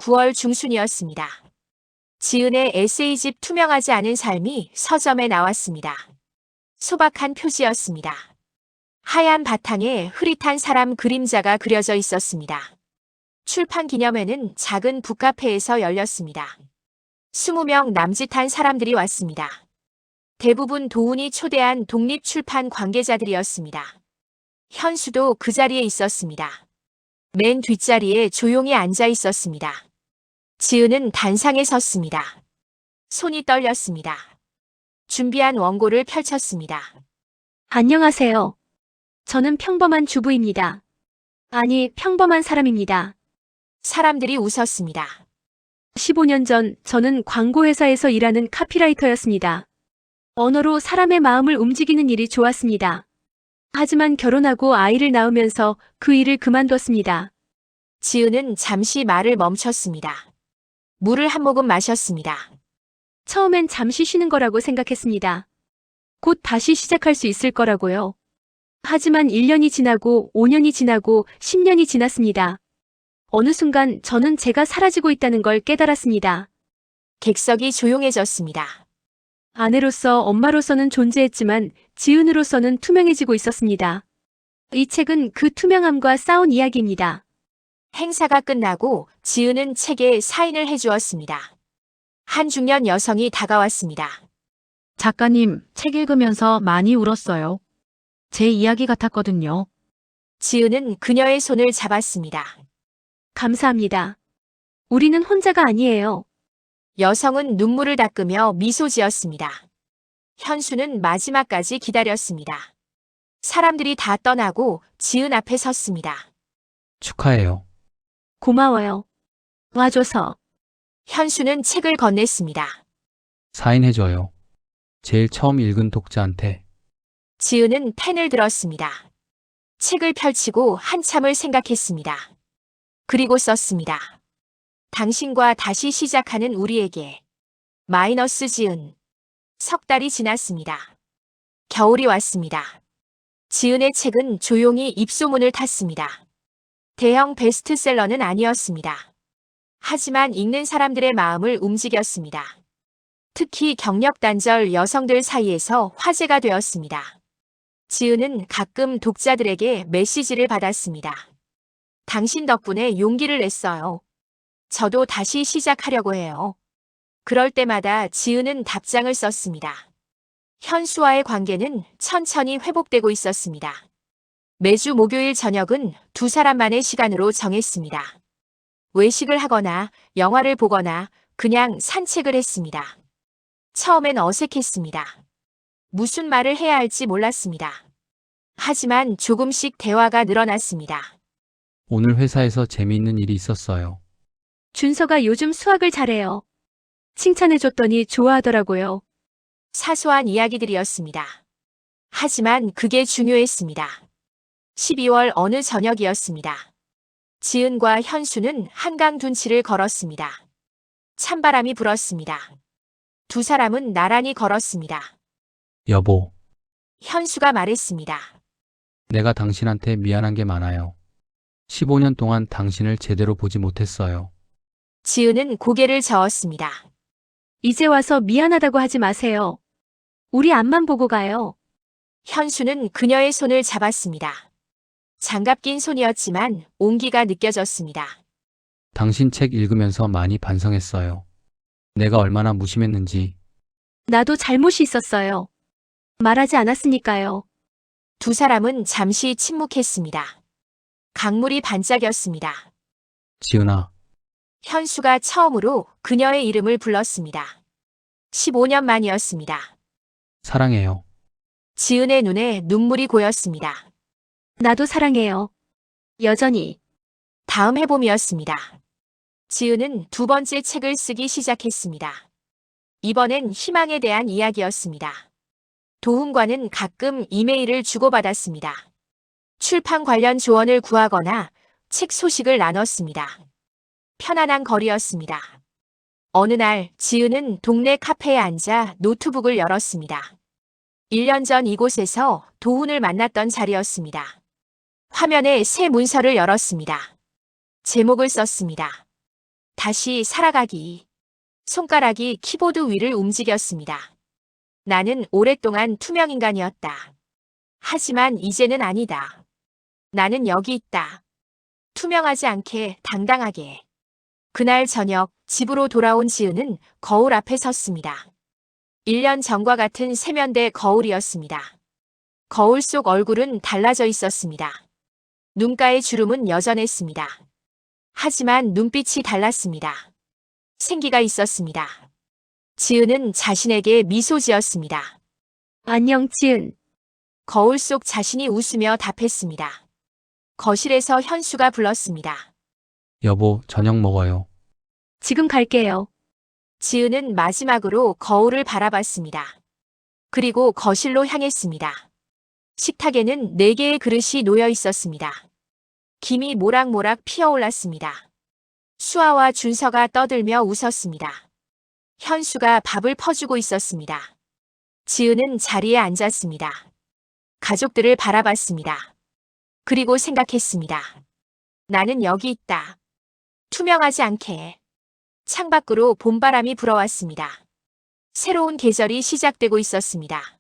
9월 중순이었습니다. 지은의 에세이집 투명하지 않은 삶이 서점에 나왔습니다. 소박한 표지였습니다. 하얀 바탕에 흐릿한 사람 그림자가 그려져 있었습니다. 출판 기념회는 작은 북카페에서 열렸습니다. 20명 남짓한 사람들이 왔습니다. 대부분 도훈이 초대한 독립출판 관계자들이었습니다. 현수도 그 자리에 있었습니다. 맨 뒷자리에 조용히 앉아 있었습니다. 지은은 단상에 섰습니다. 손이 떨렸습니다. 준비한 원고를 펼쳤습니다. 안녕하세요. 저는 평범한 주부입니다. 아니, 평범한 사람입니다. 사람들이 웃었습니다. 15년 전 저는 광고회사에서 일하는 카피라이터였습니다. 언어로 사람의 마음을 움직이는 일이 좋았습니다. 하지만 결혼하고 아이를 낳으면서 그 일을 그만뒀습니다. 지은은 잠시 말을 멈췄습니다. 물을 한 모금 마셨습니다. 처음엔 잠시 쉬는 거라고 생각했습니다. 곧 다시 시작할 수 있을 거라고요. 하지만 1년이 지나고 5년이 지나고 10년이 지났습니다. 어느 순간 저는 제가 사라지고 있다는 걸 깨달았습니다. 객석이 조용해졌습니다. 아내로서 엄마로서는 존재했지만 지은으로서는 투명해지고 있었습니다. 이 책은 그 투명함과 싸운 이야기입니다. 행사가 끝나고 지은은 책에 사인을 해주었습니다. 한 중년 여성이 다가왔습니다. 작가님, 책 읽으면서 많이 울었어요. 제 이야기 같았거든요. 지은은 그녀의 손을 잡았습니다. 감사합니다. 우리는 혼자가 아니에요. 여성은 눈물을 닦으며 미소 지었습니다. 현수는 마지막까지 기다렸습니다. 사람들이 다 떠나고 지은 앞에 섰습니다. 축하해요. 고마워요. 와줘서. 현수는 책을 건넸습니다. 사인해줘요. 제일 처음 읽은 독자한테. 지은은 펜을 들었습니다. 책을 펼치고 한참을 생각했습니다. 그리고 썼습니다. 당신과 다시 시작하는 우리에게. 마이너스 지은. 석 달이 지났습니다. 겨울이 왔습니다. 지은의 책은 조용히 입소문을 탔습니다. 대형 베스트셀러는 아니었습니다. 하지만 읽는 사람들의 마음을 움직였습니다. 특히 경력단절 여성들 사이에서 화제가 되었습니다. 지은은 가끔 독자들에게 메시지를 받았습니다. 당신 덕분에 용기를 냈어요. 저도 다시 시작하려고 해요. 그럴 때마다 지은은 답장을 썼습니다. 현수와의 관계는 천천히 회복되고 있었습니다. 매주 목요일 저녁은 두 사람만의 시간으로 정했습니다. 외식을 하거나 영화를 보거나 그냥 산책을 했습니다. 처음엔 어색했습니다. 무슨 말을 해야 할지 몰랐습니다. 하지만 조금씩 대화가 늘어났습니다. 오늘 회사에서 재미있는 일이 있었어요. 준서가 요즘 수학을 잘해요. 칭찬해줬더니 좋아하더라고요. 사소한 이야기들이었습니다. 하지만 그게 중요했습니다. 12월 어느 저녁이었습니다. 지은과 현수는 한강 둔치를 걸었습니다. 찬바람이 불었습니다. 두 사람은 나란히 걸었습니다. 여보, 현수가 말했습니다. 내가 당신한테 미안한 게 많아요. 15년 동안 당신을 제대로 보지 못했어요. 지은은 고개를 저었습니다. 이제 와서 미안하다고 하지 마세요. 우리 앞만 보고 가요. 현수는 그녀의 손을 잡았습니다. 장갑 낀 손이었지만 온기가 느껴졌습니다. 당신 책 읽으면서 많이 반성했어요. 내가 얼마나 무심했는지. 나도 잘못이 있었어요. 말하지 않았으니까요. 두 사람은 잠시 침묵했습니다. 강물이 반짝였습니다. 지은아, 현수가 처음으로 그녀의 이름을 불렀습니다. 15년 만이었습니다. 사랑해요. 지은의 눈에 눈물이 고였습니다. 나도 사랑해요. 여전히. 다음 해봄이었습니다. 지은은 두 번째 책을 쓰기 시작했습니다. 이번엔 희망에 대한 이야기였습니다. 도훈과는 가끔 이메일을 주고받았습니다. 출판 관련 조언을 구하거나 책 소식을 나눴습니다. 편안한 거리였습니다. 어느 날 지은은 동네 카페에 앉아 노트북을 열었습니다. 1년 전 이곳에서 도훈을 만났던 자리였습니다. 화면에 새 문서를 열었습니다. 제목을 썼습니다. 다시 살아가기. 손가락이 키보드 위를 움직였습니다. 나는 오랫동안 투명 인간이었다. 하지만 이제는 아니다. 나는 여기 있다. 투명하지 않게 당당하게. 그날 저녁 집으로 돌아온 지은은 거울 앞에 섰습니다. 1년 전과 같은 세면대 거울이었습니다. 거울 속 얼굴은 달라져 있었습니다. 눈가의 주름은 여전했습니다. 하지만 눈빛이 달랐습니다. 생기가 있었습니다. 지은은 자신에게 미소 지었습니다. 안녕, 지은. 거울 속 자신이 웃으며 답했습니다. 거실에서 현수가 불렀습니다. 여보, 저녁 먹어요. 지금 갈게요. 지은은 마지막으로 거울을 바라봤습니다. 그리고 거실로 향했습니다. 식탁에는 4개의 그릇이 놓여 있었습니다. 김이 모락모락 피어올랐습니다. 수아와 준서가 떠들며 웃었습니다. 현수가 밥을 퍼주고 있었습니다. 지은은 자리에 앉았습니다. 가족들을 바라봤습니다. 그리고 생각했습니다. 나는 여기 있다. 투명하지 않게. 창밖으로 봄바람이 불어왔습니다. 새로운 계절이 시작되고 있었습니다.